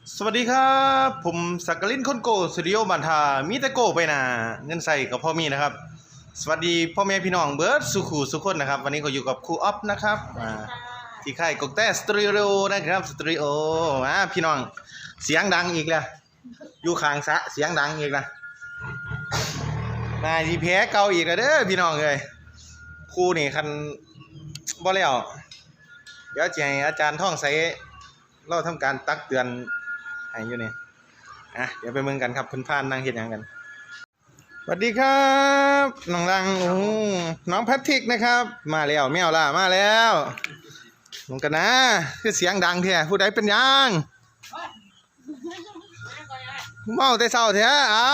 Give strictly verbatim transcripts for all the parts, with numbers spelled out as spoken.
สวัสดีครับผมสักกลินคนโกสตูดิโอบันทามีแต่โกไปนะเงินใส่กับพ่อมีนะครับสวัสดีพ่อแม่พี่น้องเบิร์ดสุขูสุขคนนะครับวันนี้ก็อยู่กับครูอ๊อฟนะครับที่ค่ายกกแต่สตูดิโอนะครับสตูดิโออ่าพี่น้องเสียงดังอีกแล้วอยู่ข้างสะเสียงดังอีกนะนายที่แพ้เก่าอีกแล้วเด้อพี่น้องเลยครูนี่คันบ่แล้วเดี๋ยวจะให้อาจารย์ท่องใส่เราทำการตักเตือนให้อยู่นี่อ่ะเดี๋ยวไปเมืองกันครับเพิ่นพานนั่งเฮ็ดหยังกันสวัสดีครับน้องรังโอ้น้องแพทริกนะครับมาแล้วแมวล่ะมาแล้วลงกันนะคือเสียงดังแท้ผู้ใดเป็นหยังเมาแต่เช้าแท้เอา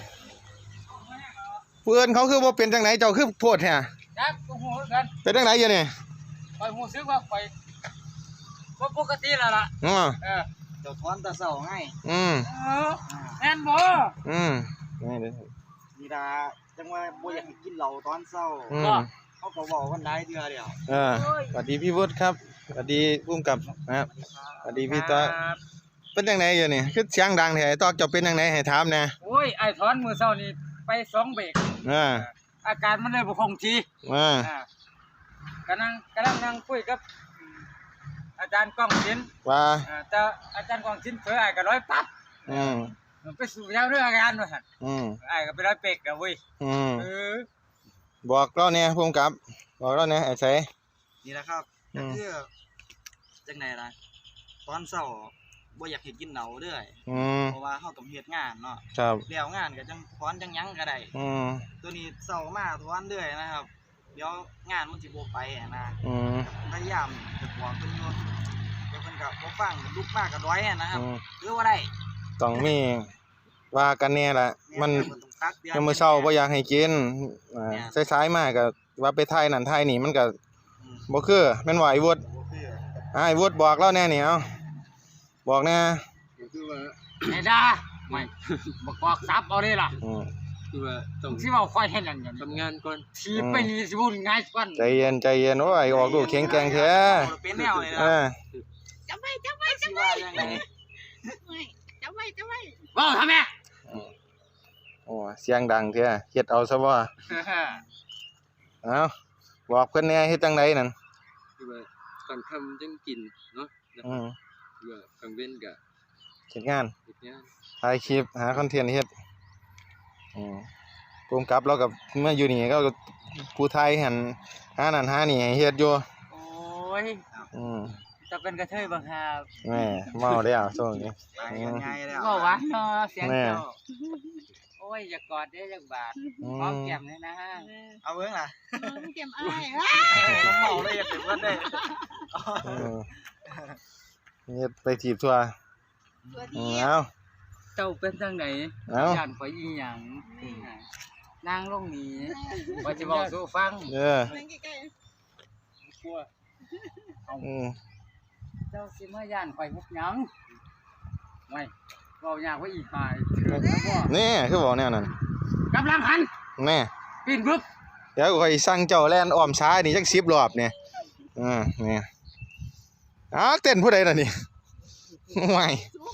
เพื่อนเขาคือบ่เป็นจังไหนเจ้าคือโพดแท้จักกูฮู้กันเป็นจังไหนอยู่นี่ข่อยฮู้สึกว่าข่อยบ่ปกติแล้วล่ะอ๋อเออเจ้าถอนตาเศร้าไงอืมเออแม่นบ่อืมนี่เด้อนี่ล่ะจังว่าบ่อยากให้กินเหล้าตอนเช้าอืมเขาก็เว้ากันหลายเทื่อแล้วเออสวัสดีพี่วุฒิครับสวัสดีผู้กำกับนะครับสวัสดีพี่ต๊อกเป็นจังไหนอยู่นี่คือเสียงดังแท้ไอ้ต๊อกเจ้าเป็นจังไหนให้ถามแหน่โอ้ยไอ้ถอนมื้อเช้านี่ไปสองเบรกอ่าอาการมันเลยบ่คงที่อ่ากำลังกำลังนั่งคุยกับอาจารย์ก้องศิลป์ว่าแต่อาจารย์ก้องศิลป์เผยอ้ายก็ร้อยปั๊บอืมไปสู่ยาวเรื่องอาการว่าซั่นอืมอ้ายก็ไปร้อยเปกแล้วเว้ยอืมเออบอกเราแหน่ผู้กำกับบอกเราแหน่ไอ้ไสนี่แหละครับก็คือจังได๋ล่ะตอนเช้าบ่อยากให้กินเหล้าเด้ออืมเพราะว่าเฮาต้องเฮ็ดงานเนาะครับแล้วงานก็จังถอนจังหยังก็ได้อืมตัวนี้เช้ามาถอนเรื่อยนะครับเดี๋ยวงานมันสิบ่ไปอ่ะนะอืมพยายามจะบอกเพิ่นอยู่เดี๋ยวเพิ่นก็บ่ฟังลุกมากก็ร้อยอ่ะนะครับคือว่าได้ต้องมีว่ากันแน่ล่ะมันยามมื้อเช้าบ่อยากให้กินอ่าสายๆมาก็ว่าไปถ่ายนั่นถ่ายนี่มันก็บ่คือแม่นว่าไอ้วุฒิอ่าไอ้วุฒิบอกเราแน่นี่เอ้าบอกแน่คือว่าไอ้ดาไม่บ่กอกซับเอาเลยล่ะอือคือว่าต้องสิเว้าค่อยเฮ็ดนั่นทำงานก่อนทีไปนี่สิวุ่นง่ายกว่าใจเย็นใจเย็นโอ้ยออกลูกแข็งแกร่งแท้เป็นแนวเลยนะเออจับไว้จับไว้จับไว้จับไว้จับไว้จับไว้ว้าวทำแม่โอ้เสียงดังแท้เฮ็ดเอาซะบ่เอ้าบอกเพิ่นแน่เฮ็ดจังไดนั่นคือว่าตอนค่ำจังกินเนาะอือคือว่ากลางเว้นก็เฮ็ดงานเฮ็ดงานถ่ายคลิปหาคอนเทนต์เฮ็ดอือภูมิกับเราก็มาอยู่นี่ก็ผู้ไทยหั่นหานั่นหานี่ให้เฮ็ดอยู่โอ้ยอือจะเป็นกระเทยบังหาแม่เมาแล้วช่วงนี้ไปกันใหญ่แล้วบ่หวานเนาะเสียงเจ้าโอ้ยอย่ากอดเด้อจักบาทหอมแก้มเลยนะเอาเบิ่งล่ะเก็บอ้ายต้องเมาเลยอย่าเป็นว่าได้เออเฮ็ดไปถีบทั่วเอ้าเจ้าเป็นจังได๋ย่านข่อยอีหยังนางลงนี่ว่าสิเว้าสู่ฟังเออกลัวอือเจ้าสิมาย่านข่อยมุกหยังไว้เว้ายากว่าอีหายเถื่อนบ่นี่คือบอกแนวนั้นกำลังหันแน่ปีนปึ๊บเดี๋ยวข่อยสั่งเจ้าแล่นอ้อมซ้ายนี่จักสิบรอบนี่อ่านี่อ้าวเต้นผู้ใดน่ะนี่ไม่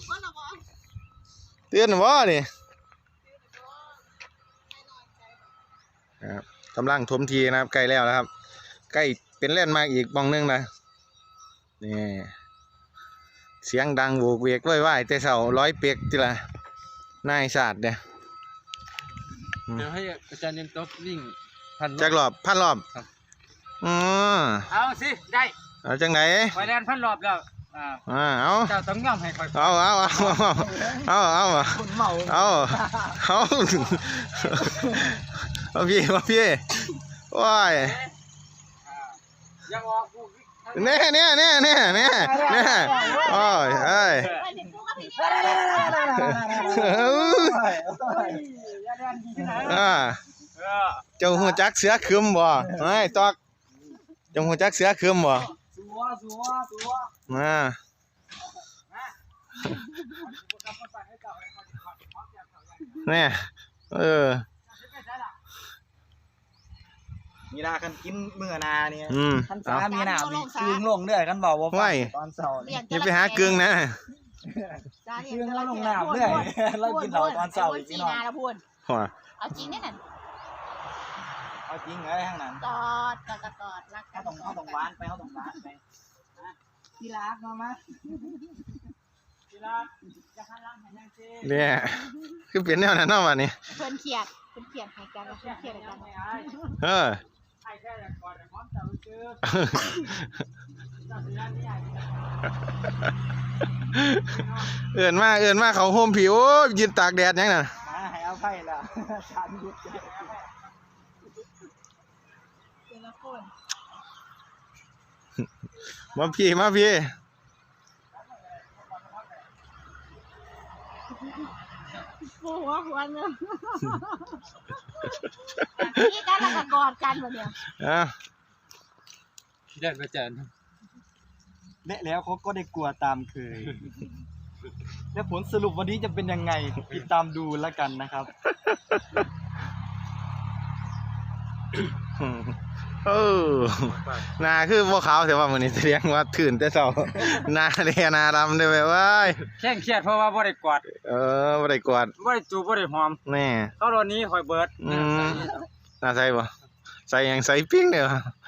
เตือนบ่นี่ครับกำลังถมทีนะครับใกล้แล้วนะครับใกล้เป็นแล่นมาอีกบ้องนึงนะนี่เสียงดังโวกเวกว้ายๆแต่เช้าร้อยเปียกติล่ะนายศาสตร์เนี่ยเดี๋ยวให้อาจารย์เรียนต๊อกวิ่งพันจักรอบพันรอบครับอ๋อเอาสิได้เอาจังไหนข่อยแล่นพันรอบแล้วอ่าอ่าเอาเจ้าต้องยอมให้ข่อยเอาเอาเอาเอาเอาคุณเมาเอาเอาเอาพี่เอาพี่ว้ายยังออกกูเน่เน่เน่เน่เน่เน่โอ้ยเอ้ยอ่าเจ้าหัวจักเสือคืมบ่ไอ้ตอกเจ้าหัวจักเสือคืมบ่มาเนี่ยเออมีนาคันกินมื้อนาเนี่ยอืมคันสามีหน้ามีกึ่งลงเด้อคันเว้าบ่ฟังตอนเช้านี่อย่าไปหากึ่งนะเรื่องเราลงน้ำเนี่ยเรากินเหล้าตอนเช้าอีกพี่น้องแล้วพูดหัวเอาจริงแน่น่ะเอาจริงเลยข้างนั้นกอดกอดกอดรักกัเขานต้องเขาต้องหวานไปเขาต้องหวานไปที่รักมามาที่รักจะหันหลังให้นางเจ้เนี่ยคือเป็นแนวนั้นเนาะวันนี้เพิ่นเครียดเพิ่นเครียดให้กันเพิ่นเครียดให้กันเออไอ้แค่ก่อนพร้อมจะรู้ชื่อจัดร้านนี้ใหญ่เอื่นมาเอื่นมาเขาโฮมผิวยืนตากแดดยังน่ะมาให้เอาไผ่ละฉันหยุดแต่ละคนมาพี่มาพี่หัวหัวเนาะนี่กันแล้วก็กอดกันแบบเนี้ยอ่ะที่ได้อาจารย์และแล้วเขาก็ได้กลัวตามเคย และผลสรุปวันนี้จะเป็นยังไงติดตามดูแล้วกันนะครับเออหนาคือบ่ขาวแต่ว่ามื้อนี้แสดงว่าตื่นแต่เช้าหน้าแดงหน้าดำได้เว้ยแข้งเครียดเพราะว่าบ่ได้กอดเออบ่ได้กวาดบ่ได้จูบบ่ได้หอมแน่เขาตอนนี้คอยเบิดอืมน่าใส่บ่ใส่หยังใส่ปิ้งเด้อ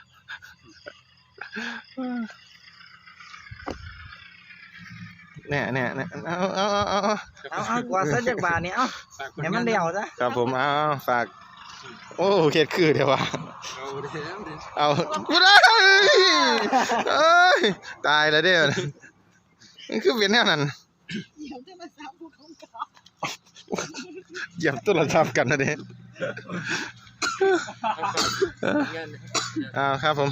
เนี่ยเนี่ยเนี่ยเอาเอาเอาเอาเอาเอากว่าซะจากบาทเนี่ยเอาให้มันเดี่ยวซะครับผมเอาฝากโอ้เฮ็ดคือเดี๋ยวว่าเอาเดี๋ยวเดี๋ยวเอากูได้เอ้ยตายแล้วเด้อมันคือเป็นแนวนั้นเดี๋ยวจะมาซ้ำผู้ของเขาเหยียบโทรศัพท์กันนะเด้เงินอ้าวครับผม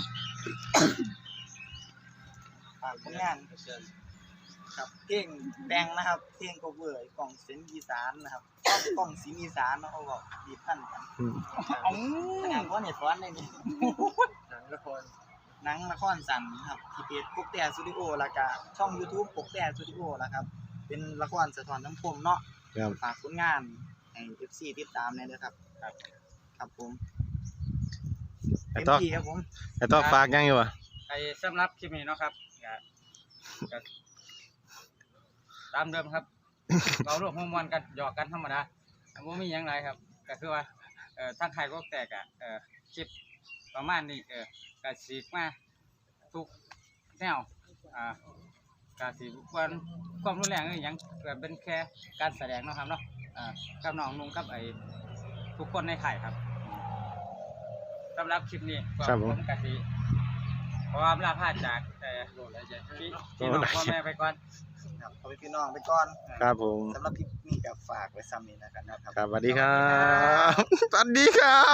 ฝากผลงานครับเพลงแดงนะครับเพลง cover กล่องเสียงอีสานนะครับกล่องเสียงอีสานเนาะเขาบอกดีพันกันอ๋องานเพราะเนี่ยสอนเลยนี่หนังละครหนังละครสั้นครับที่เพจปกแต่สตูดิโอแล้วก็ช่อง YouTube ปกแต่สตูดิโอแล้วครับเป็นละครสะท้อนสังคมเนาะครับฝากผลงานให้ เอฟ ซี ติดตามเลยนะครับครับครับผมไอ้เต็มต๊อกที่ครับผมไอ้ต๊อกฝากยังอยู่อ่ะไอ้สำหรับคลิปนี้เนาะครับก็ก็ตามเดิมครับ เราร่วมมวลกันหยอกกันธรรมดาบ่มีหยังไรครับก็คือว่าเอ่อทางใครก็แตกอ่ะเอ่อคลิปประมาณนี้เออก็สิมาทุกแนวอ่าก็สิบ่ความรุนแรงอีหยังก็เป็นแค่การแสดงเนาะครับเนาะอ่ากับน้องนุ่งกับไอ้ทุกคนในค่ายครับสำหรับคลิปนี้ก็ผมก็สิขออำลาพาจากแต่พี่พี่น้องพ่อแม่ไปก่อนครับขอพี่น้องไปก่อนครับผมสำหรับคลิปนี้ก็ฝากไว้ซ้ำนี้นะครับนะครับครับสวัสดีครับสวัสดีครับ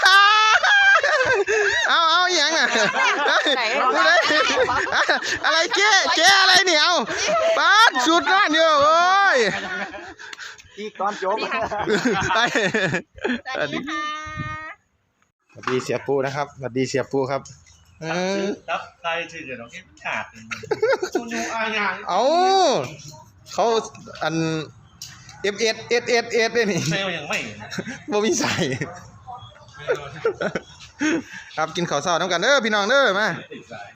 เอาเอาอหย่างอ่ะกูได้อะไรเจ๊เจ๊อะไรเนี่ยเอาปาดสุดร้านเดียวโอ้ยที่ตอนจบไปสวัสดีค่ะสวัสดีเสียปูนะครับสวัสดีเสียปูครับเออรับใครถือเดี๋ยวน้องที่ขาดคุณยูอาญาเอาเขาอันเอฟเอสเอสเอสเอสเนี่ยนี่เซลยังไม่บ่มีใส่ครับกินข้าวเช้าน้ำกันเด้อพี่น้องเด้อมา